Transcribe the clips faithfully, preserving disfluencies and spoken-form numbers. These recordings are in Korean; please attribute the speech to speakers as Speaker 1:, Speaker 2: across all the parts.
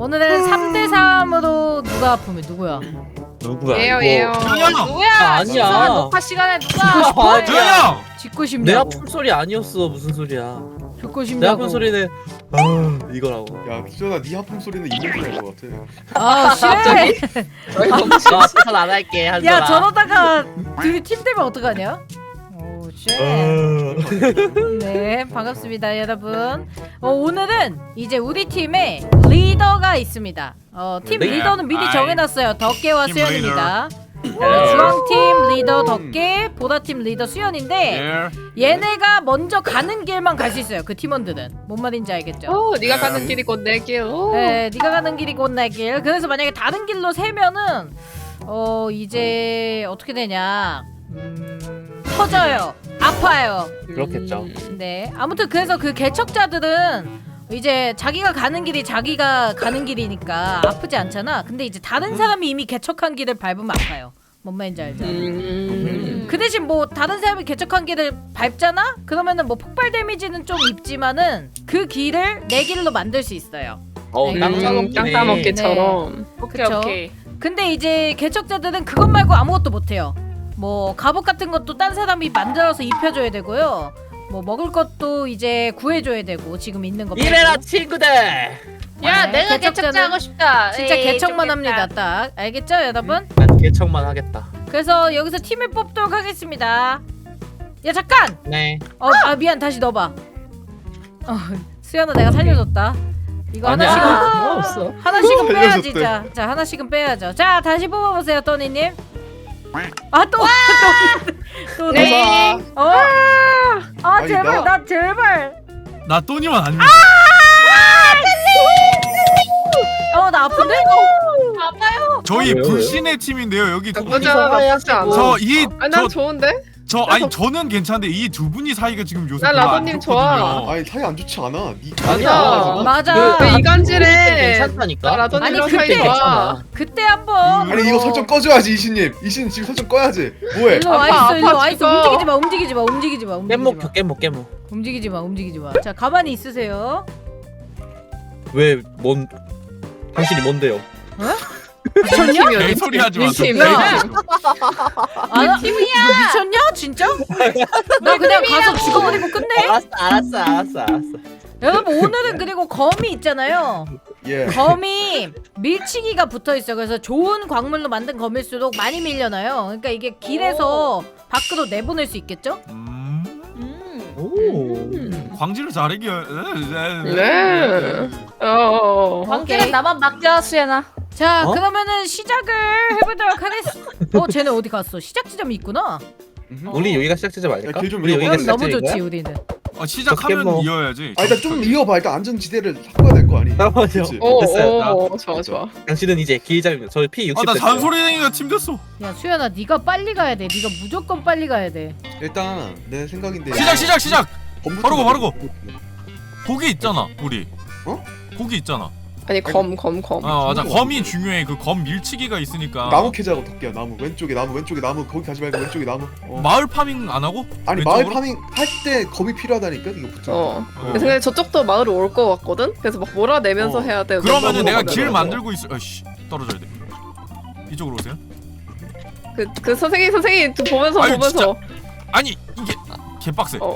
Speaker 1: 오늘은 삼 대 삼으로 누가 아프면 누구야?
Speaker 2: 누구야?
Speaker 3: 예요
Speaker 2: 이거?
Speaker 3: 예요.
Speaker 4: 누구야?
Speaker 2: 아, 아니야.
Speaker 4: 이상한 녹화 시간에 누가?
Speaker 2: 아니야.
Speaker 5: 조용!
Speaker 1: 짓고
Speaker 2: 내
Speaker 1: 싶냐고.
Speaker 2: 아픈 소리 아니었어. 무슨 소리야?
Speaker 1: 듣고
Speaker 2: 내
Speaker 1: 싶냐고.
Speaker 2: 아픈 소리는 아 이거라고.
Speaker 6: 야 수연아 네 하품 소리는 이렇게 날것 같아.
Speaker 1: 아 쉣.
Speaker 2: 아, 편 안 할게. 한
Speaker 1: 야 저러다가 둘이 팀 되면 어떡하냐? 오 쉣. 네 반갑습니다 여러분. 어, 오늘은 이제 우리 팀에 리더가 있습니다. 어, 팀
Speaker 2: 네.
Speaker 1: 리더는 미리
Speaker 5: 아이.
Speaker 1: 정해놨어요. 덕계와
Speaker 5: 팀
Speaker 1: 수연입니다.
Speaker 2: 네.
Speaker 1: 주황팀 리더 덕계, 보라팀 리더 수연인데
Speaker 5: 예.
Speaker 1: 얘네가 먼저 가는 길만 갈 수 있어요. 그 팀원들은 뭔 말인지 알겠죠?
Speaker 3: 오, 네가
Speaker 5: 네.
Speaker 3: 가는 길이 곧 내 길. 오.
Speaker 1: 네, 네가 가는 길이 곧 내 길. 그래서 만약에 다른 길로 세면은 어 이제 어떻게 되냐? 음, 터져요. 아파요.
Speaker 2: 그렇겠죠.
Speaker 1: 네. 아무튼 그래서 그 개척자들은 이제 자기가 가는 길이 자기가 가는 길이니까 아프지 않잖아. 근데 이제 다른 사람이 이미 개척한 길을 밟으면 아파요. 뭔 말인지 알죠?
Speaker 3: 음.
Speaker 1: 그 대신 뭐 다른 사람이 개척한 길을 밟잖아? 그러면은 뭐 폭발 데미지는 좀 입지만은 그 길을 내 길로 만들 수 있어요.
Speaker 2: 어,
Speaker 1: 네.
Speaker 2: 땅
Speaker 3: 음,
Speaker 2: 따먹기네.
Speaker 3: 땅 따먹기처럼.
Speaker 4: 오케이
Speaker 1: 그쵸?
Speaker 4: 오케이.
Speaker 1: 근데 이제 개척자들은 그것 말고 아무것도 못해요. 뭐 갑옷 같은 것도 딴 사람이 만들어서 입혀줘야 되고요. 뭐 먹을 것도 이제 구해줘야 되고 지금 있는 거.
Speaker 2: 이래라
Speaker 1: 빼고.
Speaker 2: 친구들.
Speaker 4: 야
Speaker 1: 네,
Speaker 4: 내가
Speaker 1: 개척자는
Speaker 4: 개척자 하고 싶다.
Speaker 1: 진짜
Speaker 4: 에이,
Speaker 1: 개척만
Speaker 4: 좋겠다.
Speaker 1: 합니다. 딱 알겠죠, 여러분?
Speaker 2: 난 개척만 하겠다.
Speaker 1: 그래서 여기서 팀을 뽑도록 하겠습니다. 야 잠깐.
Speaker 2: 네.
Speaker 1: 어, 아 미안 다시 넣어봐. 어, 수연아 내가 살려줬다. 이거
Speaker 2: 아니야.
Speaker 1: 하나씩은
Speaker 2: 아, 없어.
Speaker 1: 하나씩은 빼야지.
Speaker 6: 살려줬대.
Speaker 1: 자, 자 하나씩은 빼야죠. 자 다시 뽑아보세요, 또니님. 아 또, 또, 또,
Speaker 3: 네.
Speaker 1: 어? 아
Speaker 6: 아니,
Speaker 1: 제발
Speaker 6: 나-
Speaker 1: 나 제발.
Speaker 5: 나 또니만 아니면
Speaker 1: 어 나 아픈데?
Speaker 4: 아파요.
Speaker 5: 저희
Speaker 2: 아, 왜요,
Speaker 5: 불신의 팀인데요. 여기 두 분이
Speaker 3: 나쁘지 않아, 나쁘지 않아.
Speaker 5: 저이
Speaker 3: 아니 난
Speaker 5: 저
Speaker 3: 좋은데?
Speaker 5: 저 아니 저는 괜찮은데 이 두 분이 사이가 지금 요새
Speaker 3: 난
Speaker 5: 별로 안
Speaker 3: 라더님 좋아.
Speaker 5: 좋거든요.
Speaker 6: 아니 사이 안 좋지 않아. 니
Speaker 3: 아니야.
Speaker 1: 맞아.
Speaker 3: 왜 이간질해?
Speaker 2: 괜찮다니까.
Speaker 3: 나 라더님이랑
Speaker 1: 아니,
Speaker 3: 사이
Speaker 1: 그때
Speaker 3: 좋아.
Speaker 1: 그때 한번
Speaker 6: 아니 이거 설정 꺼줘야지 이신님. 이신 지금 설정 꺼야지. 뭐해?
Speaker 1: 일로 와
Speaker 3: 아파,
Speaker 1: 있어, 일로
Speaker 3: 아파
Speaker 1: 와 있어.
Speaker 3: 죽어.
Speaker 1: 움직이지 마, 움직이지 마, 움직이지 마, 움직이지
Speaker 2: 깻목
Speaker 1: 마.
Speaker 2: 깻목 깻목.
Speaker 1: 움직이지 마, 움직이지 마. 자 가만히 있으세요.
Speaker 2: 왜뭔 당신이 뭔데요?
Speaker 1: 미쳤냐?
Speaker 5: 내 소리 하지 마.
Speaker 3: 팀.
Speaker 1: 야. 아, 팀이야. 너 미쳤냐? 진짜? 나 그냥 가서 죽어버리고 끝내.
Speaker 2: 알았어 알았어 알았어 알았어.
Speaker 1: 여러분 오늘은 그리고 검이 있잖아요.
Speaker 6: 예.
Speaker 1: 검이 밀치기가 붙어 있어. 그래서 좋은 광물로 만든 검일수록 많이 밀려나요. 그러니까 이게 길에서 밖으로 내보낼 수 있겠죠?
Speaker 5: 음,
Speaker 4: 음.
Speaker 2: 오.
Speaker 5: 광질을 잘하기.
Speaker 3: 네. 어.
Speaker 4: 관계는
Speaker 1: 오케이.
Speaker 4: 나만 맡겨 수연아.
Speaker 1: 자
Speaker 2: 어?
Speaker 1: 그러면은 시작을 해보도록 하겠습니다. 어 쟤네 어디 갔어? 시작 지점이 있구나.
Speaker 6: 음흠.
Speaker 2: 우리 여기가 시작 지점
Speaker 6: 야,
Speaker 2: 아닐까?
Speaker 6: 길좀
Speaker 2: 우리 여기가
Speaker 1: 그럼
Speaker 2: 시작
Speaker 1: 너무 좋지
Speaker 2: 지점인가요?
Speaker 1: 우리는.
Speaker 5: 어, 시작하면
Speaker 2: 뭐.
Speaker 5: 이어야지.
Speaker 6: 아 일단 좀 이어봐. 일단 안전지대를 바꿔야 될 거 아니?
Speaker 2: 잠깐만요.
Speaker 6: 그치?
Speaker 3: 오,
Speaker 2: 됐어요.
Speaker 3: 오, 좋아, 좋아.
Speaker 2: 당신은 이제 길잡입니다. 저 피 육십.
Speaker 5: 아나 잔소리쟁이가 팀 됐어.
Speaker 1: 야 수연아 네가 빨리 가야 돼. 네가 무조건 빨리 가야 돼.
Speaker 6: 일단 내 생각인데.
Speaker 5: 시작 시작 시작.
Speaker 6: 검부터
Speaker 5: 바르고, 바르고.
Speaker 6: 먹고.
Speaker 5: 고기 있잖아 우리.
Speaker 6: 어?
Speaker 5: 고기 있잖아.
Speaker 3: 아니 검, 검, 검.
Speaker 5: 아 맞아.
Speaker 6: 그거
Speaker 5: 검이 중요해. 그 검 밀치기가 있으니까.
Speaker 6: 나무 캐자고 덕기야 나무 왼쪽에 나무 왼쪽에 나무 거기 가지 말고 왼쪽에 나무. 어.
Speaker 5: 마을 파밍 안 하고?
Speaker 6: 아니
Speaker 5: 왼쪽으로?
Speaker 6: 마을 파밍 할 때 검이 필요하다니까 이거 붙여.
Speaker 3: 어.
Speaker 5: 어.
Speaker 3: 근데 저쪽도 마을에 올 것 같거든? 그래서 막 몰아내면서
Speaker 6: 어.
Speaker 3: 해야 돼.
Speaker 5: 그러면은 내가
Speaker 3: 넘어가면.
Speaker 5: 길 만들고 있어. 어씨 떨어져야 돼. 이쪽으로 오세요.
Speaker 3: 그, 그 선생님, 선생님 그 보면서
Speaker 5: 아유,
Speaker 3: 보면서.
Speaker 5: 아니 이게 개빡세.
Speaker 3: 어.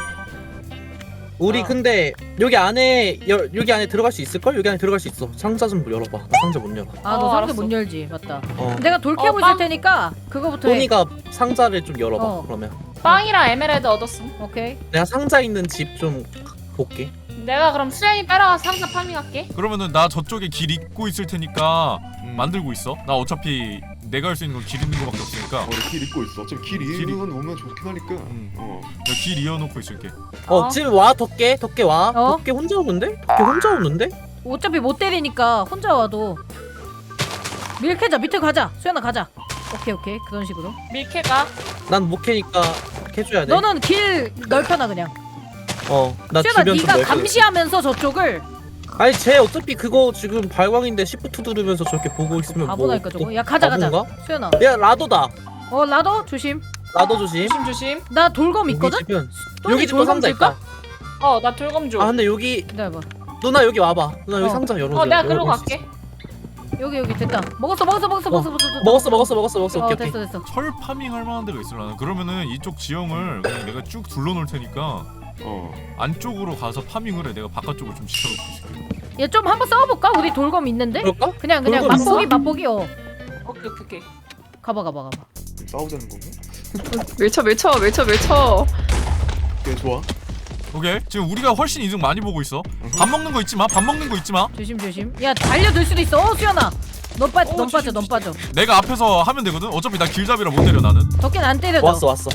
Speaker 2: 우리
Speaker 1: 아.
Speaker 2: 근데 여기 안에 여, 여기 안에 들어갈 수 있을 걸? 여기 안에 들어갈 수 있어. 상자 좀 열어봐. 나 상자 못 열어.
Speaker 1: 아 너
Speaker 4: 어,
Speaker 1: 상자
Speaker 4: 알았어.
Speaker 1: 못 열지 맞다.
Speaker 2: 어.
Speaker 1: 내가 돌 캐고
Speaker 4: 어,
Speaker 1: 있을
Speaker 4: 빵.
Speaker 1: 테니까 그거부터 해.
Speaker 2: 토니가 상자를 좀 열어봐.
Speaker 1: 어.
Speaker 2: 그러면
Speaker 4: 빵이랑 에메랄드 얻었음.
Speaker 1: 오케이.
Speaker 2: 내가 상자 있는 집 좀 볼게.
Speaker 4: 내가 그럼 수연이 따라가서 상자 파밍할게.
Speaker 5: 그러면은 나 저쪽에 길 잇고 있을 테니까
Speaker 6: 음.
Speaker 5: 만들고 있어. 나 어차피 내가 할 수 있는 건 길 있는 거밖에 없으니까.
Speaker 6: 어, 길 잊고 있어. 어차피 길
Speaker 5: 길이-
Speaker 6: 잃으면 오면 좋긴 하니까.
Speaker 5: 음.
Speaker 6: 어.
Speaker 5: 내가 길 이어놓고 있을게.
Speaker 2: 어,
Speaker 4: 어.
Speaker 2: 지금 와 덕계 덕계 와.
Speaker 1: 어?
Speaker 2: 덕계 혼자 오는데? 덕계 혼자 오는데?
Speaker 1: 어차피 못 때리니까 혼자 와도 밀캐자 밑에 가자. 수연아 가자. 오케이 오케이 그런 식으로.
Speaker 4: 밀캐가.
Speaker 2: 난 못 캐니까 캐줘야 돼.
Speaker 1: 너는 길 넓혀놔 그냥.
Speaker 2: 어, 나
Speaker 1: 수연아
Speaker 2: 주변 좀
Speaker 1: 네가
Speaker 2: 넓혀.
Speaker 1: 감시하면서 저쪽을.
Speaker 2: 아니 쟤 어차피 그거 지금 발광인데 시프트 누르면서 저렇게 보고 있으면 뭐.
Speaker 1: 바보라니까 저거. 야 가자 가자.
Speaker 2: 바본가?
Speaker 1: 수연아.
Speaker 2: 야 라도다.
Speaker 1: 어 라더 조심.
Speaker 2: 라도 조심.
Speaker 4: 조심 조심.
Speaker 1: 나 돌검 있거든.
Speaker 2: 여기 집은
Speaker 1: 또니
Speaker 2: 여기 집도
Speaker 1: 돌검
Speaker 2: 상자
Speaker 1: 줄까?
Speaker 2: 있다.
Speaker 4: 어 나 돌검 줘.
Speaker 2: 아 근데 여기
Speaker 1: 기다려봐.
Speaker 2: 누나 여기 와봐. 누나 여기
Speaker 1: 어.
Speaker 2: 상자 열어줘.
Speaker 4: 어 내가
Speaker 2: 열어-
Speaker 4: 그러고
Speaker 2: 열을 수
Speaker 4: 갈게.
Speaker 1: 여기 여기 됐다. 먹었어 먹었어 먹었어 먹었어 먹었어.
Speaker 2: 있어. 먹었어 먹었어 먹었어 먹었어.
Speaker 1: 어
Speaker 2: 오케이
Speaker 1: 됐어
Speaker 2: 오케이.
Speaker 1: 됐어.
Speaker 5: 철 파밍 할 만한 데가 있으려나? 그러면은 이쪽 지형을 그냥 내가 쭉 둘러놓을 테니까
Speaker 6: 어.
Speaker 5: 안쪽으로 가서 파밍을 해. 내가 바깥쪽으로 좀 지켜놓고 있을게.
Speaker 1: 얘 좀 한번 싸워볼까? 우리 돌검 있는데?
Speaker 2: 그럴까?
Speaker 1: 그냥 그냥
Speaker 2: 돌검 있어?
Speaker 1: 맛보기 맛보기 어.
Speaker 4: 오케이 오케이 오케이.
Speaker 1: 가봐 가봐 가봐.
Speaker 6: 싸우자는 건가?
Speaker 3: 밀쳐 밀쳐 밀쳐 밀쳐.
Speaker 6: 오케이 좋아.
Speaker 5: 오케이. 지금 우리가 훨씬 이득 많이 보고 있어. 밥 먹는 거 잊지 마. 밥 먹는 거 잊지 마.
Speaker 1: 조심 조심. 야 달려들 수도 있어. 어 수연아. 넌 빠,
Speaker 5: 어,
Speaker 1: 넌 빠져,
Speaker 5: 조심,
Speaker 1: 넌 빠져.
Speaker 5: 내가 앞에서 하면 되거든. 어차피 나 길잡이라 못 때려 나는.
Speaker 1: 덕기는 안 때려줘.
Speaker 2: 왔어 왔어.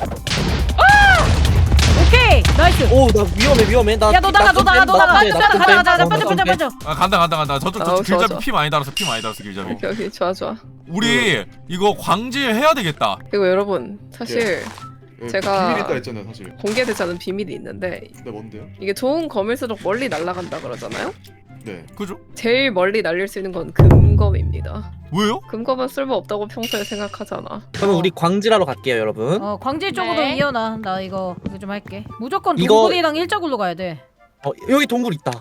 Speaker 1: 오케이, 나이스.
Speaker 2: 오 나 위험해 위험해. 나
Speaker 1: 야, 너 나가, 너 나가, 너 나가.
Speaker 2: 나
Speaker 1: 수연아, 가자, 가자, 가자.
Speaker 2: 어,
Speaker 1: 빠져,
Speaker 2: 나
Speaker 1: 빠져,
Speaker 2: 좀
Speaker 1: 빠져.
Speaker 5: 아 간다 간다 간다. 저쪽
Speaker 3: 아우,
Speaker 5: 저쪽
Speaker 3: 좋아,
Speaker 5: 길잡이
Speaker 3: 좋아.
Speaker 5: 피 많이 달았어. 피 많이 달았어 길잡이.
Speaker 3: 오케이 오케이 좋아 좋아.
Speaker 5: 우리 이거 광질해야 되겠다.
Speaker 3: 그리고 여러분 사실
Speaker 6: 예,
Speaker 3: 제가-
Speaker 6: 비밀 있다 했잖아요 사실.
Speaker 3: 공개되지 않은 비밀이 있는데
Speaker 6: 근데 뭔데요?
Speaker 3: 이게 좋은 검일수록 멀리 날아간다 그러잖아요.
Speaker 6: 네.
Speaker 5: 그죠?
Speaker 3: 제일 멀리 날릴 수 있는 건 금검입니다.
Speaker 5: 왜요?
Speaker 3: 금검은 쓸모 없다고 평소에 생각하잖아.
Speaker 2: 그러면 우리 광질하러 갈게요 여러분.
Speaker 1: 어, 광질 쪽으로
Speaker 4: 네.
Speaker 1: 이어나. 나 이거 이거 좀 할게. 무조건
Speaker 2: 이거-
Speaker 1: 동굴이랑 일자굴로 가야 돼.
Speaker 2: 어 여기 동굴 있다.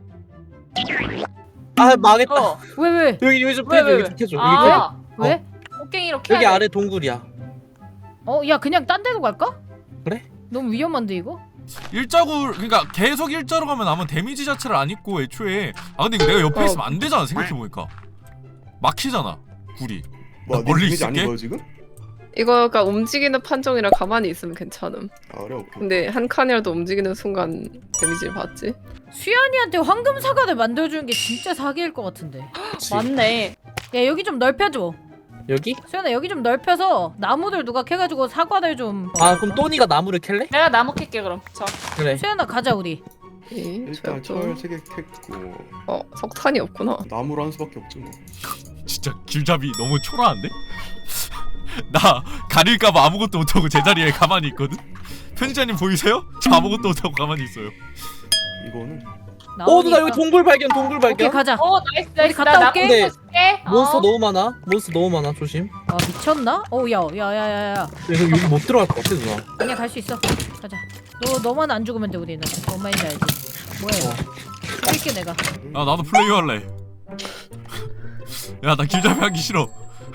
Speaker 2: 아 망했다.
Speaker 4: 어.
Speaker 1: 왜 왜?
Speaker 2: 여기 여기 좀
Speaker 4: 왜,
Speaker 2: 캐줘
Speaker 4: 왜,
Speaker 2: 여기
Speaker 4: 왜?
Speaker 2: 좀 캐줘. 여기 캐줘.
Speaker 4: 아
Speaker 1: 왜?
Speaker 4: 꽃갱이로 캐야
Speaker 2: 여기
Speaker 4: 돼.
Speaker 2: 아래 동굴이야.
Speaker 1: 어, 야 그냥 딴 데로 갈까?
Speaker 2: 그래?
Speaker 1: 너무 위험한데 이거?
Speaker 5: 일자구 그러니까 계속 일자로 가면 아마 데미지 자체를 안 입고 애초에 아 근데 이거 내가 옆에
Speaker 3: 어.
Speaker 5: 있으면 안 되잖아 생각해 보니까 막히잖아 굴이.
Speaker 6: 뭐
Speaker 5: 멀리
Speaker 6: 데미지
Speaker 5: 있을게?
Speaker 6: 아닌 거예요 지금?
Speaker 3: 이거가 움직이는 판정이라 가만히 있으면 괜찮음.
Speaker 6: 아 그래 오케이.
Speaker 3: 근데 한 칸이라도 움직이는 순간 데미지를 받지.
Speaker 1: 수연이한테 황금 사과를 만들어주는 게 진짜 사기일 것 같은데.
Speaker 2: 그치.
Speaker 4: 맞네.
Speaker 1: 야 여기 좀 넓혀줘.
Speaker 2: 여기?
Speaker 1: 수연아 여기 좀 넓혀서 나무들 누가 캐가지고 사과들 좀.
Speaker 2: 아 그럼 또니가 나무를 캘래?
Speaker 4: 내가 나무 캘게 그럼. 저.
Speaker 2: 그래.
Speaker 1: 수연아 가자 우리.
Speaker 3: 이,
Speaker 6: 일단
Speaker 3: 저도-
Speaker 6: 철 세 개 캤고
Speaker 3: 어 석탄이 없구나.
Speaker 6: 나무로 한 수밖에 없지 뭐.
Speaker 5: 진짜 길잡이 너무 초라한데? 나 가릴까봐 아무것도 못하고 제자리에 가만히 있거든? 편집자님 보이세요? 저 아무것도 못하고 가만히 있어요.
Speaker 6: 이거는
Speaker 2: 오 누나
Speaker 1: 나오니까.
Speaker 2: 여기 동굴 발견 동굴
Speaker 1: 오케이
Speaker 2: 발견.
Speaker 1: 가자.
Speaker 4: 어 나이스 나이스.
Speaker 1: 갔다
Speaker 4: 나
Speaker 1: 올게.
Speaker 4: 나무
Speaker 2: 근데
Speaker 4: 줄게.
Speaker 2: 몬스터
Speaker 4: 어.
Speaker 2: 너무 많아. 몬스터 너무 많아. 조심.
Speaker 1: 아 미쳤나? 어야야야야야.
Speaker 2: 여기 여기 못 들어갈 것 같아 누나.
Speaker 1: 아니야 갈 수 있어. 가자. 너 너만 안 죽으면 돼 우리는. 뭔 말인지 알지? 뭐야 이거? 죽일게 내가.
Speaker 5: 아 나도 플레이 할래. 야 나 길잡이 하기 싫어.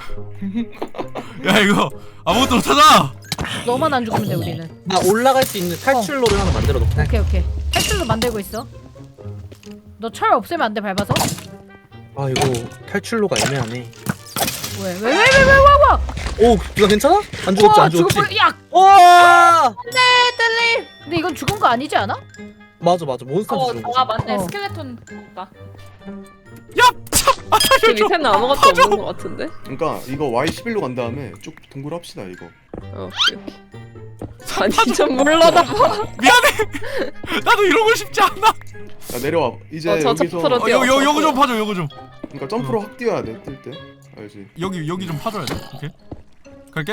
Speaker 5: 야 이거 아무것도 못하잖아.
Speaker 1: 너만 안 죽으면 돼 우리는.
Speaker 2: 나 올라갈 수 있는 탈출로를 하나 만들어 놓게.
Speaker 1: 오케이 오케이. 탈출로 만들고 있어. 너 철 없애면 안 돼 밟아서?
Speaker 2: 아 이거 탈출로가 애매하네.
Speaker 1: 왜 왜 왜 왜 왜 와 와?
Speaker 2: 오 이거 괜찮아? 안 죽었지 안 죽었지?
Speaker 1: 죽을 뻔. 야
Speaker 2: 와
Speaker 1: 근데 이건 죽은 거 아니지 않아?
Speaker 2: 맞아 맞아 몬스터한테
Speaker 4: 어,
Speaker 2: 죽은
Speaker 4: 아
Speaker 2: 거지.
Speaker 4: 맞네.
Speaker 1: 어.
Speaker 4: 스켈레톤 오빠.
Speaker 3: 그 밑에는 아무것도 없는 것 같은데.
Speaker 6: 그러니까 이거 와이 십일로 간 다음에 쭉 동굴 합시다 이거.
Speaker 3: 어, 오케이, 오케이. 아니 좀 물러나.
Speaker 5: 미안해. 나도 이러고 싶지 않아.
Speaker 6: 야 내려와. 이제
Speaker 3: 어, 저
Speaker 6: 여기서
Speaker 3: 저 풀어.
Speaker 5: 어, 여, 여, 여기 좀 파줘 여기 좀.
Speaker 6: 그러니까 점프로 확 뛰어야 돼 뛸 때. 알지?
Speaker 5: 여기 여기 좀 파줘야 돼. 오케이. 갈게.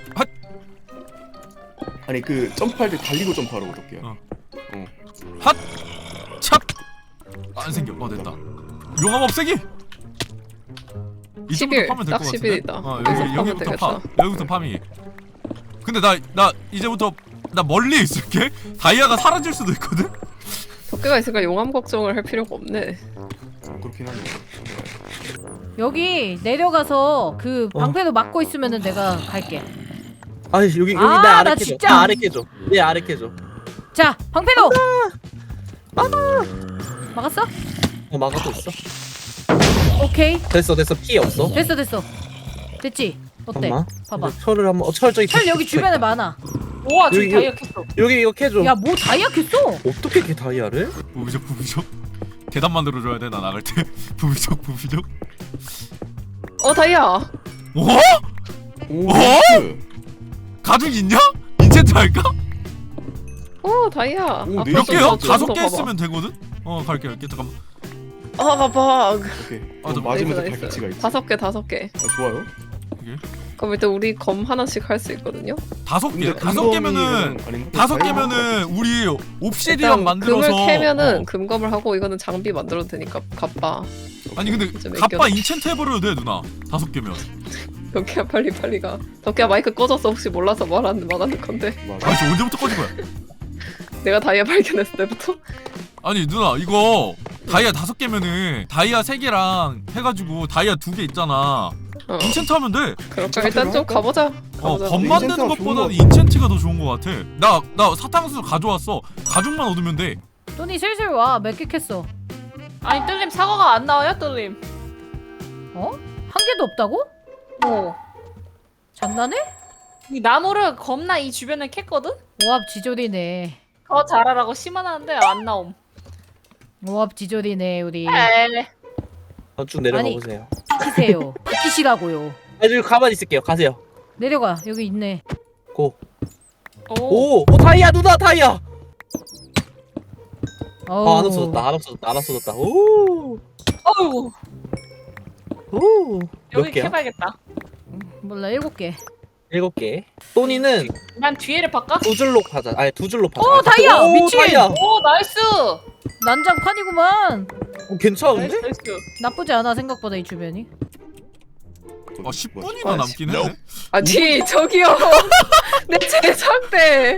Speaker 6: 아니 그 점프할 때 달리고 점프하라고 어떻게요?
Speaker 5: 어.
Speaker 6: 어.
Speaker 5: 찹. 안 생겨. 어 됐다. 용암 없애기. 이쪽부터
Speaker 3: 십일,
Speaker 5: 파면 될
Speaker 3: 딱
Speaker 5: 것 같은데.
Speaker 3: 십일이다.
Speaker 5: 어
Speaker 3: 여기서
Speaker 5: 여기
Speaker 3: 파면
Speaker 5: 여기부터 파.
Speaker 3: 되겠다.
Speaker 5: 여기부터 파밍. 근데 나 나 이제부터 나 멀리 있을게. 다이아가 사라질 수도 있거든.
Speaker 3: 덕계가 있으니까 용암 걱정을 할 필요가 없네.
Speaker 6: 어, 그렇긴 하네.
Speaker 1: 여기 내려가서 그
Speaker 2: 어.
Speaker 1: 방패도 막고 있으면은 내가 갈게.
Speaker 2: 아 여기 여기
Speaker 1: 아,
Speaker 2: 내 아래
Speaker 1: 나
Speaker 2: 캐줘.
Speaker 1: 진짜.
Speaker 2: 나 아래 캐줘. 내 아래 캐줘.
Speaker 1: 자 방패도. 막았어?
Speaker 2: 어 막아도 있어.
Speaker 1: 오케이
Speaker 2: 됐어 됐어 피해 없어.
Speaker 1: 됐어 됐어. 됐지? 어때?
Speaker 2: 잠깐만.
Speaker 1: 봐봐.
Speaker 2: 근데 철을 한번 어, 철 저기
Speaker 1: 철 여기 주변에 많아.
Speaker 4: 우와 지금
Speaker 2: 여기,
Speaker 4: 다이어 켰어.
Speaker 2: 여기 이거 캐줘.
Speaker 1: 야 뭐 다이아 켰어?
Speaker 2: 어떻게 이렇게 다이아를?
Speaker 5: 부비적 부비적. 계단 만들어줘야 돼 나 나갈 때. 부비적 부비적.
Speaker 3: 어 다이아.
Speaker 5: 어?
Speaker 6: 오.
Speaker 5: 어?
Speaker 6: 나이스.
Speaker 5: 가죽 있냐? 인챈트 할까?
Speaker 3: 어 다이아.
Speaker 6: 오,
Speaker 3: 아,
Speaker 6: 네
Speaker 5: 몇
Speaker 3: 벌써
Speaker 5: 개요?
Speaker 3: 벌써
Speaker 5: 다섯
Speaker 3: 벌써
Speaker 5: 개
Speaker 3: 봐봐.
Speaker 5: 있으면 되거든? 어 갈게 갈게 잠깐만.
Speaker 3: 아 봐봐.
Speaker 6: 오케이.
Speaker 5: 아,
Speaker 6: 어,
Speaker 5: 저-
Speaker 6: 맞으면서
Speaker 3: 나이스,
Speaker 6: 발기치가
Speaker 3: 나이스.
Speaker 6: 있지.
Speaker 3: 다섯 개 다섯 개.
Speaker 6: 아, 좋아요.
Speaker 3: 그럼 일단 우리 검 하나씩 할 수 있거든요.
Speaker 5: 다섯 개
Speaker 6: 근데
Speaker 5: 다섯
Speaker 6: 금검이
Speaker 5: 개면은
Speaker 6: 아닌가?
Speaker 5: 다섯
Speaker 6: 다이아가
Speaker 5: 개면은 우리 옵시디언
Speaker 3: 일단
Speaker 5: 만들어서
Speaker 3: 금을 캐면은
Speaker 5: 어.
Speaker 3: 금검을 하고 이거는 장비 만들어도 되니까 갚아.
Speaker 5: 아니 근데
Speaker 3: 좀
Speaker 5: 갑바
Speaker 3: 맡겨놔.
Speaker 5: 인챈트 해버려도 돼 누나 다섯 개면.
Speaker 3: 덕기야 빨리 빨리 가. 덕기야 마이크 꺼졌어. 혹시 몰라서 말하는 말하는 건데.
Speaker 6: 맞아.
Speaker 5: 아니 저 언제부터 꺼진 거야?
Speaker 3: 내가 다이아 발견했을 때부터.
Speaker 5: 아니 누나 이거 다이아 다섯 개면은 다이아 세 개랑 해가지고 다이아 두 개 있잖아.
Speaker 3: 어.
Speaker 5: 인챈트 하면 돼.
Speaker 3: 그럴까? 일단 좀 가보자.
Speaker 5: 어,
Speaker 3: 가보자.
Speaker 5: 검
Speaker 6: 인챈트가
Speaker 5: 만드는
Speaker 6: 좋은
Speaker 5: 것보다는
Speaker 6: 것
Speaker 5: 인챈트가 더 좋은 것 같아. 나, 나 사탕수수 가져왔어. 가죽만 얻으면 돼.
Speaker 1: 돈이 슬슬 와. 몇 개 캤어?
Speaker 4: 아니 뜰림 사과가 안 나와요 뜰림.
Speaker 1: 어? 한 개도 없다고?
Speaker 4: 어.
Speaker 1: 장난해?
Speaker 4: 이 나무를 겁나 이 주변에 캤거든?
Speaker 1: 오합 지졸이네.
Speaker 4: 더 잘하라고 심어놨는데 안 나옴.
Speaker 1: 오합 지졸이네 우리.
Speaker 4: 에이.
Speaker 2: 어, 쭉 내려가
Speaker 1: 아니.
Speaker 2: 보세요.
Speaker 1: 비키세요. 비키시라고요.
Speaker 2: 아주 가만히 있을게요. 가세요.
Speaker 1: 내려가. 여기 있네.
Speaker 2: 고.
Speaker 4: 오.
Speaker 2: 오, 오 다이아 누나 다이아.
Speaker 1: 어우.
Speaker 2: 아, 안 없어졌다. 안 없어졌다. 안 없어졌다. 오,
Speaker 4: 어우.
Speaker 2: 오. 몇
Speaker 4: 여기
Speaker 2: 개야?
Speaker 4: 캐봐야겠다.
Speaker 1: 몰라 일곱 개.
Speaker 2: 일곱 개. 또니는
Speaker 4: 난 뒤에를 바꿔?
Speaker 2: 두 줄로 파자. 아니 두 줄로 파자.
Speaker 1: 오, 다이아!
Speaker 2: 오,
Speaker 1: 미친!
Speaker 2: 다이아.
Speaker 4: 오 나이스.
Speaker 1: 난장판이구만.
Speaker 2: 어, 괜찮은데?
Speaker 4: 나이스 나이스.
Speaker 1: 나쁘지 않아 생각보다 이 주변이.
Speaker 5: 아, 십 분이나
Speaker 3: 아,
Speaker 5: 남긴 했네.
Speaker 3: 아니 저기요. 내 제작대.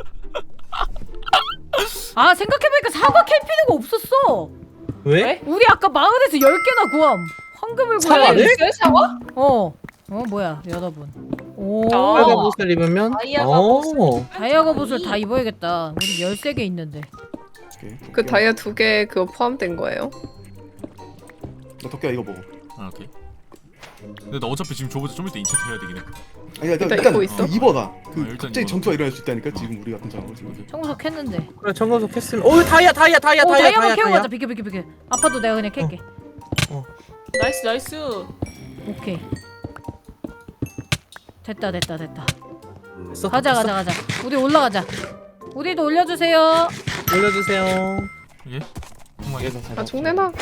Speaker 1: 아 생각해보니까 사과 캘 필요가 없었어.
Speaker 2: 왜?
Speaker 4: 왜?
Speaker 1: 우리 아까 마을에서 열 개나 구함. 황금을
Speaker 2: 사과를?
Speaker 1: 구해.
Speaker 4: 있어요 샤워?
Speaker 1: 어. 어 뭐야 여러분. 오.
Speaker 4: 아.
Speaker 2: 빨간 옷을 입으면
Speaker 4: 다이아가
Speaker 2: 오.
Speaker 1: 다이아가 옷을 다 입어야겠다. 우리 열세 개 있는데.
Speaker 6: 오케이.
Speaker 3: 그 다이아 두 개 그거 포함된 거예요?
Speaker 6: 너 덕기야 이거 먹어.
Speaker 5: 아, 오케이. 근데 나 어차피 지금 저보다 좀 이따 인챈트 해야 되긴 해.
Speaker 6: 아니 일단
Speaker 3: 일단
Speaker 6: 일단
Speaker 3: 입고 있어?
Speaker 6: 그 입어놔. 그
Speaker 5: 어, 일단
Speaker 6: 갑자기
Speaker 5: 입어놔.
Speaker 6: 전투가 일어날 수 있다니까
Speaker 5: 어.
Speaker 6: 지금 우리 같은 상황은 지금.
Speaker 1: 청소석 했는데.
Speaker 2: 그래 청소석 했으면 오 다이아 다이아 다이아
Speaker 1: 오
Speaker 2: 다이아
Speaker 1: 다이아만
Speaker 2: 다이아
Speaker 1: 캐고
Speaker 2: 다이아.
Speaker 1: 가자. 비켜 비켜 비켜. 아파도 내가 그냥 캘게.
Speaker 4: 나이스 나이스.
Speaker 1: 오케이. 됐다 됐다 됐다.
Speaker 2: 됐어?
Speaker 1: 가자 가자 가자. 우리 올라가자. 우리도 올려주세요.
Speaker 2: 올려주세요.
Speaker 5: 예? 정말.
Speaker 6: 얘가
Speaker 3: 아 종내나.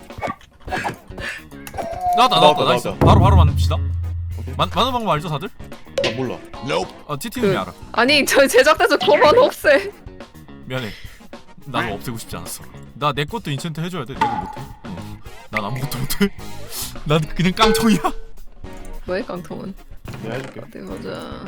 Speaker 5: 나왔다, 나왔다,
Speaker 6: 나왔다,
Speaker 5: 나이스.
Speaker 6: 나왔다.
Speaker 5: 바로, 바로 만듭시다.
Speaker 6: 오케이.
Speaker 5: 만, 많은 방법 알죠, 다들?
Speaker 6: 나 몰라.
Speaker 5: 아, 티티님이
Speaker 3: 그-
Speaker 5: 알아.
Speaker 3: 아니 저 제작대에서 그만 없애.
Speaker 5: 미안해. 나는 없애고 싶지 않았어. 나 내 것도 인챈트 해줘야 돼. 내가 못해. 어. 난 아무것도 못해. 난 그냥 깡통이야.
Speaker 3: 뭐해 깡통은?
Speaker 6: 내가 해줄게.
Speaker 3: 어디 보자.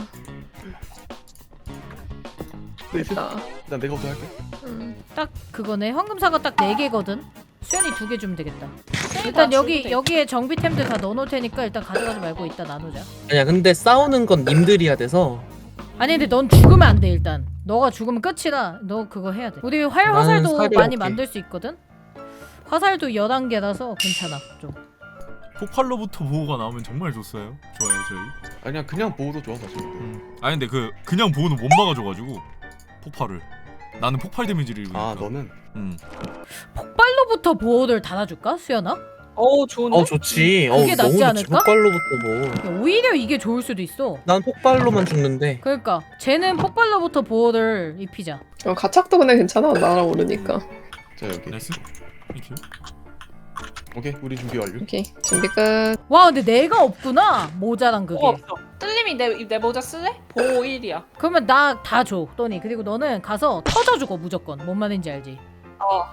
Speaker 6: 네,
Speaker 3: 됐다.
Speaker 6: 일단 내가 먼저 할게.
Speaker 3: 음.
Speaker 1: 딱 그거네. 황금 사과 딱 네 개거든. 수연이 두 개 주면 되겠다. 일단 여기 여기에 정비템들 다 넣어놓을 테니까 일단 가져가지 말고 이따 나누자.
Speaker 2: 아니야 근데 싸우는 건 님들이야 돼서
Speaker 1: 아니 근데 넌 죽으면 안 돼 일단. 너가 죽으면 끝이라 너 그거 해야 돼. 우리 활
Speaker 2: 나는
Speaker 1: 화살도
Speaker 2: 사료
Speaker 1: 많이
Speaker 2: 먹게.
Speaker 1: 만들 수 있거든. 화살도 열한 개라서 괜찮아 좀.
Speaker 5: 폭발로부터 보호가 나오면 정말 좋어요. 좋아요, 저희.
Speaker 6: 아니야 그냥 보호도 좋아 사실.
Speaker 5: 음. 아니 근데 그 그냥 보호는 못 막아줘가지고 폭발을. 나는 폭발 데미지를 입으니까.
Speaker 6: 아 너는
Speaker 5: 음.
Speaker 1: 폭발로부터 보호를 달아줄까 수연아?
Speaker 4: 오 좋은데?
Speaker 2: 어 좋지. 어
Speaker 1: 그게 낫지
Speaker 2: 너무 좋지.
Speaker 1: 않을까?
Speaker 2: 폭발로부터 뭐.
Speaker 1: 야, 오히려 이게 좋을 수도 있어.
Speaker 2: 난 폭발로만 죽는데.
Speaker 1: 그러니까 쟤는 폭발로부터 보호를 입히자.
Speaker 3: 어 가착도 근데 괜찮아 날아오르니까.
Speaker 6: 자 여기.
Speaker 5: 나이스. 땡큐.
Speaker 6: 오케이 우리 준비 완료.
Speaker 3: 오케이 준비 끝.
Speaker 1: 와 근데 내가 없구나 모자란 그게.
Speaker 4: 뭐 없어. 뜰림이 내, 내 모자 쓸래? 보호 일이야.
Speaker 1: 그러면 나 다 줘, 또니. 그리고 너는 가서 터져주고 무조건. 뭔 말인지 알지?
Speaker 4: 어.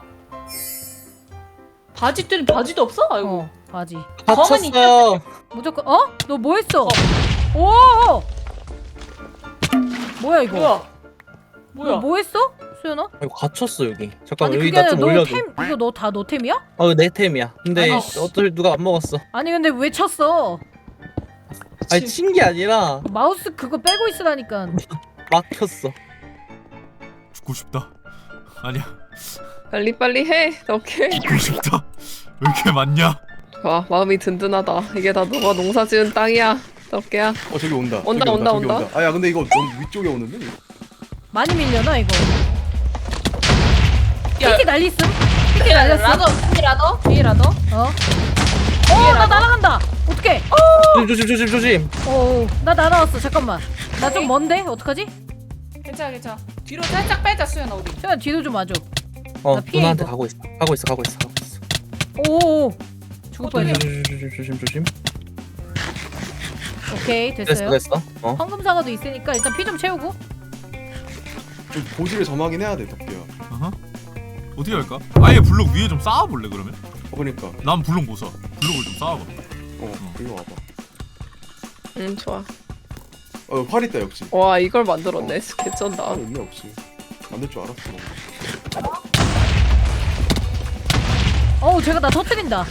Speaker 4: 바지 뜰림 바지도 없어? 아이고.
Speaker 1: 어, 바지.
Speaker 2: 다쳤어요.
Speaker 1: 무조건. 어? 너 뭐 했어? 오! 뭐야 이거?
Speaker 4: 뭐야? 뭐야?
Speaker 1: 너 뭐 했어? 수연아?
Speaker 2: 이거 갇혔어 여기. 잠깐
Speaker 1: 아니
Speaker 2: 여기
Speaker 1: 그게
Speaker 2: 나
Speaker 1: 아니라
Speaker 2: 좀
Speaker 1: 너
Speaker 2: 올려줘.
Speaker 1: 템 이거 너 다 너 템이야?
Speaker 2: 어 내 템이야. 근데
Speaker 1: 아니,
Speaker 2: 어떨 누가 안 먹었어.
Speaker 1: 아니 근데 왜 쳤어?
Speaker 2: 아니 친 게 아니라
Speaker 1: 마우스 그거 빼고 있으라니까.
Speaker 2: 막혔어.
Speaker 5: 죽고 싶다. 아니야.
Speaker 3: 빨리 빨리 해. 오케이.
Speaker 5: 죽고 싶다. 왜 이렇게 많냐?
Speaker 3: 와 마음이 든든하다. 이게 다 너가 농사지은 땅이야. 덕계야.
Speaker 6: 어 저기 온다.
Speaker 3: 온다,
Speaker 6: 저기
Speaker 3: 온다,
Speaker 6: 저기
Speaker 3: 온다.
Speaker 6: 아야 근데 이거 너무 위쪽에 오는데? 이거?
Speaker 1: 많이 밀려나 이거.
Speaker 4: 야.
Speaker 1: 피키 날리음? 피키 날렸어?
Speaker 4: 라더 뒤라더 뒤라더.
Speaker 1: 어? 어, 나 날아간다. 어떡해?
Speaker 2: 조심 조심 조심 조심.
Speaker 1: 어, 나 날아왔어. 잠깐만. 나 좀 먼데? 어떡하지?
Speaker 4: 괜찮아 괜찮아. 뒤로 살짝 빼자 수연아 우리.
Speaker 1: 수연 뒤로 좀 와줘.
Speaker 2: 어
Speaker 1: 나 피해,
Speaker 2: 누나한테
Speaker 1: 이거.
Speaker 2: 가고 있어. 가고 있어 가고 있어 가고 있어.
Speaker 1: 오, 죽을
Speaker 4: 어떡해.
Speaker 1: 뻔했어.
Speaker 2: 조심 조심 조심 조심.
Speaker 1: 오케이,
Speaker 2: 됐어
Speaker 1: 됐어요.
Speaker 2: 됐어. 어.
Speaker 1: 황금 사과도 있으니까 일단 피 좀 채우고.
Speaker 6: 좀 보지를 점하긴 해야 돼 덕기야.
Speaker 5: 어허. 어떻게 할까? 아예 블록 위에 좀 쌓아볼래 그러면?
Speaker 6: 어 그러니까.
Speaker 5: 난 블록 못 써. 블록을 좀 쌓아봐.
Speaker 6: 어 이거 와봐.
Speaker 3: 응 좋아.
Speaker 6: 어 활 있다 역시.
Speaker 3: 와 이걸 만들었네. 개쩐다.
Speaker 6: 활 있네 없지. 만들 줄 알았어.
Speaker 1: 어우 제가 나 터뜨린다.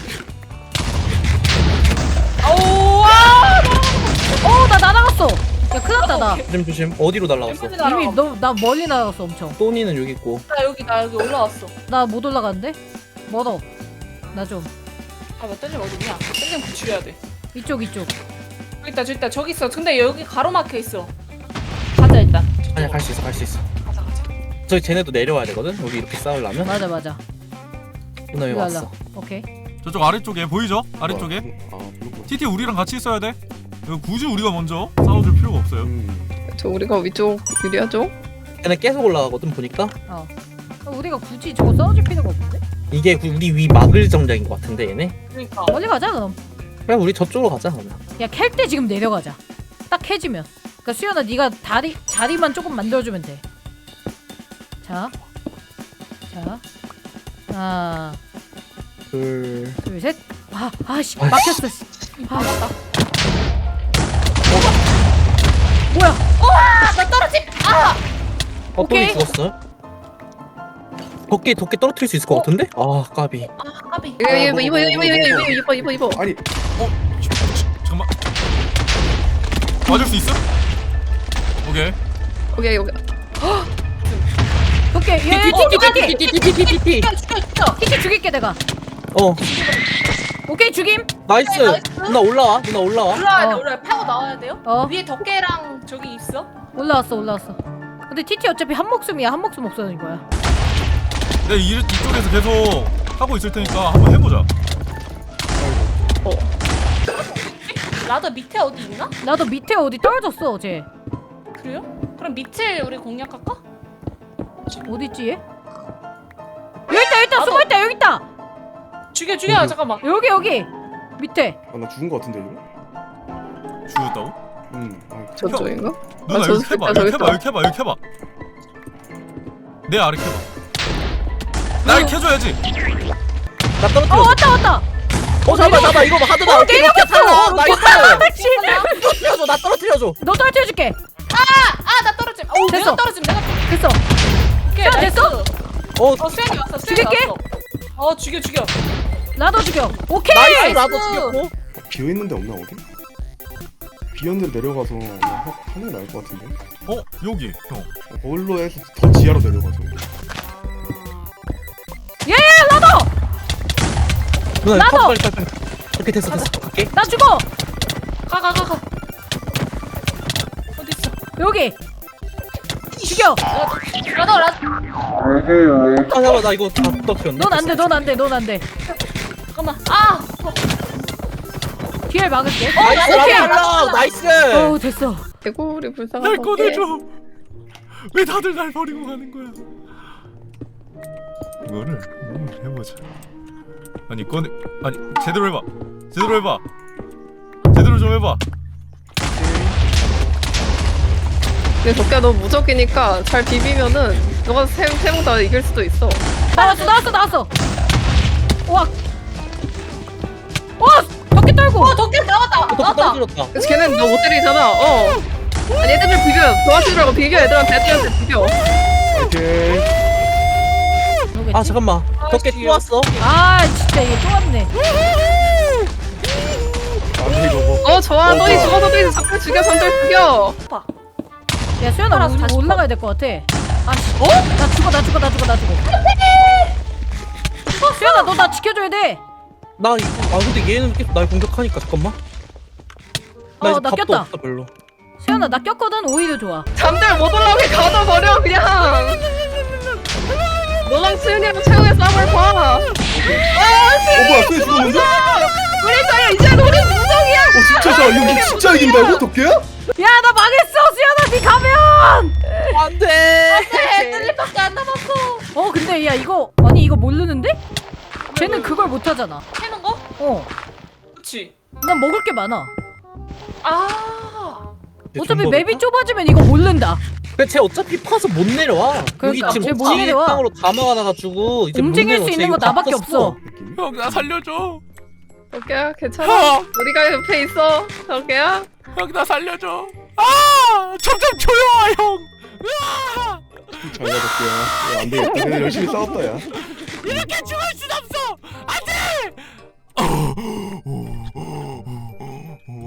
Speaker 4: 오와
Speaker 1: 어우 나 날아갔어. 야 큰일났다 나.
Speaker 2: 조심 조심. 어디로 날라갔어?
Speaker 1: 이미 너 나 멀리 날아갔어 엄청.
Speaker 2: 또니는 여기 있고.
Speaker 4: 나 여기 나 여기 올라왔어.
Speaker 1: 나 못 올라가는데? 멀어. 나 좀.
Speaker 4: 아나 땡님 어딨냐? 땡님 구출해야 돼.
Speaker 1: 이쪽 이쪽.
Speaker 4: 저기 있다 저기 있다 저기 있어. 근데 여기 가로막혀 있어. 가자 일단.
Speaker 2: 아니야 갈 수 있어 갈 수 있어.
Speaker 4: 가자 가자.
Speaker 2: 저기 쟤네도 내려와야 되거든. 여기 이렇게 싸우려면.
Speaker 1: 맞아 맞아.
Speaker 2: 누나 여기
Speaker 1: 일로
Speaker 2: 왔어.
Speaker 1: 와라. 오케이.
Speaker 5: 저쪽 아래쪽에 보이죠? 아래쪽에
Speaker 6: 아 그렇구나.
Speaker 5: 티티 우리랑 같이 있어야 돼. 이거 굳이 우리가 먼저 싸워줄 필요가 없어요.
Speaker 6: 음.
Speaker 3: 저 우리가 위쪽 유리하죠?
Speaker 2: 얘네 계속 올라가거든 보니까.
Speaker 1: 어. 우리가 굳이 저거 싸워줄 필요가 없는데?
Speaker 2: 이게 우리 위 막을 정장인 것 같은데 얘네.
Speaker 4: 그러니까.
Speaker 1: 멀리 가자 그럼.
Speaker 2: 그냥 우리 저쪽으로 가자 그러면.
Speaker 1: 야 캘 때 지금 내려가자. 딱 캐지면. 그러니까 수연아 네가 다리 자리만 조금 만들어주면 돼. 자, 자, 하나,
Speaker 2: 둘.
Speaker 1: 둘, 셋. 아, 아씨
Speaker 2: 아이씨.
Speaker 1: 막혔어. 씨. 아,
Speaker 4: 맞다.
Speaker 1: 뭐야?
Speaker 4: 나 떨어짐. 아.
Speaker 2: 어 또니
Speaker 1: 오케이.
Speaker 2: 죽었어. 덕계 덕계 떨어뜨릴 수 있을 것 같은데? 아 까비.
Speaker 4: 아 까비.
Speaker 3: 이거 이거 이거 이거 이거 이거 이거 이거 이거
Speaker 6: 아니
Speaker 5: 어? 잠깐만. 맞을 수 있어? 오케이.
Speaker 3: 오케이 오케이
Speaker 1: 오케이. 얘 티티 티티
Speaker 2: 띠띠띠띠띠띠띠띠.
Speaker 4: 죽여 죽여.
Speaker 1: 티티 죽일게 내가.
Speaker 2: 어
Speaker 1: 오케이 죽임.
Speaker 2: 나이스.
Speaker 4: 나이스.
Speaker 2: 누나 올라와. 누나 올라와.
Speaker 4: 올라와야 돼
Speaker 1: 어.
Speaker 4: 올라와. 파고 나와야 돼요.
Speaker 1: 어
Speaker 4: 위에 덮개랑 저기 있어.
Speaker 1: 올라왔어 올라왔어. 근데 티티 어차피 한 목숨이야 한 목숨 없어진 거야.
Speaker 5: 내가 이, 이쪽에서 계속 하고 있을 테니까 한번 해보자.
Speaker 4: 라더 밑에 어디 있나?
Speaker 1: 나도 밑에 어디 떨어졌어 어제.
Speaker 4: 그래요? 그럼 밑을 우리 공략할까?
Speaker 1: 어디 있지 얘? 여기 있다 여기 있다 숨어 있다 여기 있다.
Speaker 4: 죽여 죽여 잠깐만.
Speaker 1: 여기 여기 밑에.
Speaker 6: 아, 나 죽은 거 같은데 이거?
Speaker 5: 죽였다고?
Speaker 6: 음. 아,
Speaker 3: 저쪽인가?
Speaker 5: 누나
Speaker 3: 아,
Speaker 5: 여기
Speaker 3: 저기
Speaker 5: 해봐.
Speaker 3: 있다, 저기
Speaker 5: 여기 해봐.
Speaker 3: 있다.
Speaker 5: 여기 해봐. 여기 해봐. 내 아래 해봐. 날 캐줘야지.
Speaker 2: 나
Speaker 1: 어
Speaker 2: 떨어뜨려.
Speaker 1: 왔다 왔다.
Speaker 2: 어 잡아 잡아 이거 봐 하드다.
Speaker 1: 어,
Speaker 2: 오케이 이렇게 살아. 어, 나이스.
Speaker 1: 씨.
Speaker 2: 떨어뜨려줘. 나 떨어뜨려줘.
Speaker 1: 너 떨어뜨려줄게.
Speaker 4: 아 나 떨어짐. 오
Speaker 1: 됐어.
Speaker 4: 내가 떨어짐. 내가 떨어짐.
Speaker 1: 됐어.
Speaker 4: 오케이,
Speaker 1: 수연
Speaker 4: 나이스.
Speaker 1: 됐어?
Speaker 2: 어
Speaker 4: 어 수연이 왔어. 수연이
Speaker 1: 죽일게?
Speaker 4: 왔어. 어 죽여 죽여.
Speaker 1: 나도 죽여. 오케이.
Speaker 2: 나이스 나도 죽였고.
Speaker 6: 비어 있는데 없나 어디? 비었는데 내려가서 그냥 하- 하는 게 나을 것 같은데.
Speaker 5: 어? 여기. 형.
Speaker 6: 어, 거울로 해서 더 지하로 내려가서.
Speaker 1: 예 나도.
Speaker 2: 누나
Speaker 1: 나도!
Speaker 2: 빨리 빨리 빨리. 오케이 됐어 됐어. 갈게.
Speaker 1: 나 죽어.
Speaker 4: 가 가 가 가. 어디 있어?
Speaker 1: 여기. 죽여.
Speaker 4: 라더 라더.
Speaker 2: 아 잠깐 나 이거 다 떨어뜨렸네.
Speaker 1: 넌 안 돼. 넌 안 돼. 넌 안 돼.
Speaker 4: 잠깐만. 아. 어,
Speaker 1: 뒤에 막을게.
Speaker 2: 나이스
Speaker 1: 오케이.
Speaker 2: 라라 나이스.
Speaker 1: 어우 됐어.
Speaker 3: 개구리
Speaker 5: 날
Speaker 3: 불쌍한
Speaker 5: 꺼내줘. 왜 다들 날 버리고 가는 거야? 이거를 이거를 해보자. 아니 꺼내. 아니 제대로 해봐. 제대로 해봐. 제대로 좀 해봐.
Speaker 3: 근데 덕기야 너 무적이니까 잘 비비면은 너가 세명 다 이길 수도 있어.
Speaker 1: 나왔어. 나왔어. 나왔어. 와. 와. 덕기 떨고.
Speaker 4: 어 덕길 나왔다.
Speaker 2: 덕
Speaker 4: 나왔다.
Speaker 2: 떨어뜨렸다.
Speaker 3: 그래서 걔는 너 못 때리잖아. 어. 아니 애들 비벼. 도와주라고 비벼. 애들한테 애들한테 비벼.
Speaker 6: 오케이.
Speaker 1: 뭐겠지?
Speaker 2: 아 잠깐만. 덕계 또 왔어.
Speaker 1: 아 진짜 이게 또 왔네.
Speaker 6: 안돼 이거 뭐.
Speaker 3: 어 좋아.
Speaker 6: 어,
Speaker 3: 너희
Speaker 6: 좋아.
Speaker 3: 죽어서 너희 잠깐 죽여. 잠들 죽여.
Speaker 1: 야 수연아
Speaker 4: 알아서
Speaker 1: 우리
Speaker 4: 다시
Speaker 1: 올라가야 될 것 같아. 아 씨. 어? 나 죽어 나 죽어 나 죽어 나 죽어. 어, 수연아 너 나 지켜줘야 돼.
Speaker 2: 나 이거 아 근데 얘는 계속 날 공격하니까 잠깐만. 나
Speaker 1: 어,
Speaker 2: 이제
Speaker 1: 나
Speaker 2: 답도
Speaker 1: 꼈다.
Speaker 2: 없어 별로.
Speaker 1: 수연아 나 꼈거든. 오히려 좋아.
Speaker 3: 잠들 못 올라오게 가둬버려 그냥. 너랑 수윤이랑 최후의 싸움을 봐.
Speaker 6: 어 뭐야 또 죽었는데? 어
Speaker 3: 우리 사이야 이제 우리 무적이야.
Speaker 6: 진짜 자 이거 진짜 이긴다고 덕계야?
Speaker 1: 야 나 망했어 수연아 니 가면.
Speaker 2: 안돼.
Speaker 4: 네, 뜰리밖에 안 남았어.
Speaker 1: 어 근데 야 이거 아니 이거 모르는데? 쟤는 그걸 못하잖아.
Speaker 4: 캐는 거?
Speaker 1: 어.
Speaker 4: 그렇지.
Speaker 1: 난 먹을 게 많아.
Speaker 4: 아.
Speaker 1: 어차피 맵이 좁아지면 이거 모른다.
Speaker 2: 근데 쟤 어차피 파서 못 내려와.
Speaker 1: 그러니까,
Speaker 2: 여기
Speaker 1: 쟤
Speaker 2: 지금
Speaker 1: 못 내려와.
Speaker 2: 땅으로 다 막아놔가지고 이제
Speaker 1: 움직일
Speaker 2: 못
Speaker 1: 수
Speaker 2: 내려와.
Speaker 1: 있는
Speaker 2: 쟤
Speaker 1: 거
Speaker 2: 이거
Speaker 1: 나밖에
Speaker 2: 다
Speaker 1: 없어.
Speaker 2: 떴어.
Speaker 6: 느낌이?
Speaker 5: 형 나 살려줘.
Speaker 3: 덕기야 괜찮아. 우리가 옆에 있어. 덕기야.
Speaker 5: 형 나 살려줘. 아 점점 조여와 형. 으아!
Speaker 6: 잘가 덕계야. 야, 안 되겠다. 그냥 열심히 싸웠다 야.
Speaker 5: 이렇게 죽을 순 없어. 안돼.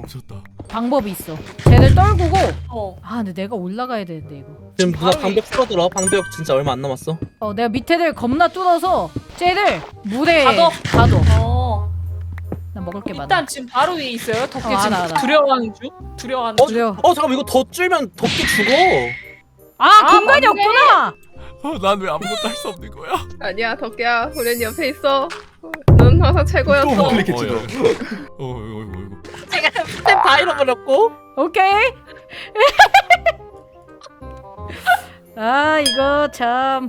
Speaker 5: 미쳤다.
Speaker 1: 방법이 있어. 쟤를 떨구고.
Speaker 4: 어.
Speaker 1: 아 근데 내가 올라가야 되는데 이거.
Speaker 2: 지금 누나
Speaker 4: 바로
Speaker 2: 방벽 풀어들어. 방벽 진짜 얼마 안 남았어.
Speaker 1: 어 내가 밑에를 겁나 뚫어서 쟤를 물에
Speaker 4: 가둬?
Speaker 1: 가둬.
Speaker 4: 어.
Speaker 1: 나 먹을 게 많아.
Speaker 4: 일단 지금 바로 위에 있어요. 덕계
Speaker 1: 어,
Speaker 4: 지금
Speaker 1: 알아, 알아.
Speaker 4: 두려워하는 중. 두려워하는
Speaker 2: 어,
Speaker 4: 중.
Speaker 1: 그래요.
Speaker 2: 어 잠깐만 이거 더 줄면 덕기 죽어.
Speaker 1: 아,
Speaker 4: 아,
Speaker 1: 공간이
Speaker 4: 맞네.
Speaker 1: 없구나.
Speaker 5: 어, 난 왜 아무것도 할 수 없는 거야?
Speaker 3: 아니야 덕기야 우린 옆에 있어. 넌 항상 최고였어.
Speaker 6: 또 클릭했지
Speaker 5: 어,
Speaker 6: 너.
Speaker 5: 야. 어, 이거 이거 이거.
Speaker 2: 제가 스텝 다 잃어버렸고.
Speaker 1: 오케이. 아 이거 참.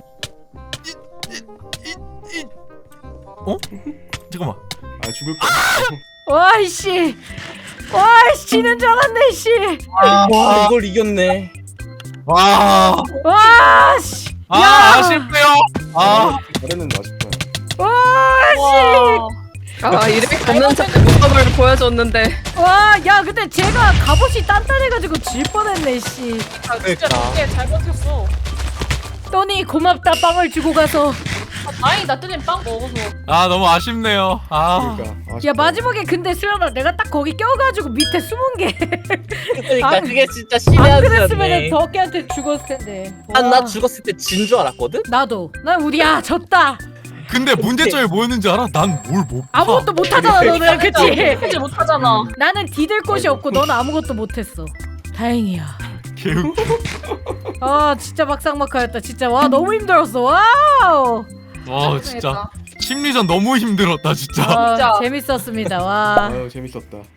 Speaker 5: 어? 잠깐만.
Speaker 6: 아 죽을 거야.
Speaker 1: 와이씨. 와이씨 지는 줄 알았네 씨.
Speaker 2: 와 이걸 이겼네.
Speaker 5: 와.
Speaker 1: 와씨.
Speaker 5: 아,
Speaker 1: 야.
Speaker 5: 아쉽네요. 아.
Speaker 6: 잘했는데 아쉽다.
Speaker 1: 와씨.
Speaker 3: 아 이렇게 없는 자의 모습을 보여줬는데.
Speaker 1: 와, 야, 근데 제가 갑옷이 단단해가지고 질 뻔했네, 씨.
Speaker 4: 아, 진짜
Speaker 2: 그러니까.
Speaker 4: 덕계 잘 버텼어.
Speaker 1: 또니 고맙다, 빵을 주고 가서.
Speaker 4: 아, 다행이다. 뜨님 빵 먹어서.
Speaker 5: 아, 너무 아쉽네요. 아.
Speaker 6: 그러니까. 아쉽다.
Speaker 1: 야, 마지막에 근데 수연아, 내가 딱 거기 껴가지고 밑에 숨은 게.
Speaker 2: 그러니까
Speaker 1: 안-
Speaker 2: 그게 진짜 신의
Speaker 1: 안
Speaker 2: 한
Speaker 1: 그랬으면
Speaker 2: 수였네.
Speaker 1: 덕기한테 죽었을 텐데.
Speaker 2: 난나
Speaker 1: 와.
Speaker 2: 죽었을 때 진 줄 알았거든.
Speaker 1: 나도. 난 우리야, 졌다.
Speaker 5: 근데 문제점이 뭐였는지 알아? 난 뭘 못 봐.
Speaker 1: 아무것도 못하잖아, 너는. 그치?
Speaker 4: 해지 못하잖아.
Speaker 1: 나는 디딜 곳이 없고 너는 아무것도 못했어. 다행이야.
Speaker 5: 개웃.
Speaker 1: 아, 진짜 막상막하였다. 진짜. 와, 너무 힘들었어. 와우.
Speaker 5: 와, 진짜 심리전 너무 힘들었다, 진짜.
Speaker 1: 아,
Speaker 4: 진짜.
Speaker 1: 재밌었습니다. 와.
Speaker 6: 아유 재밌었다.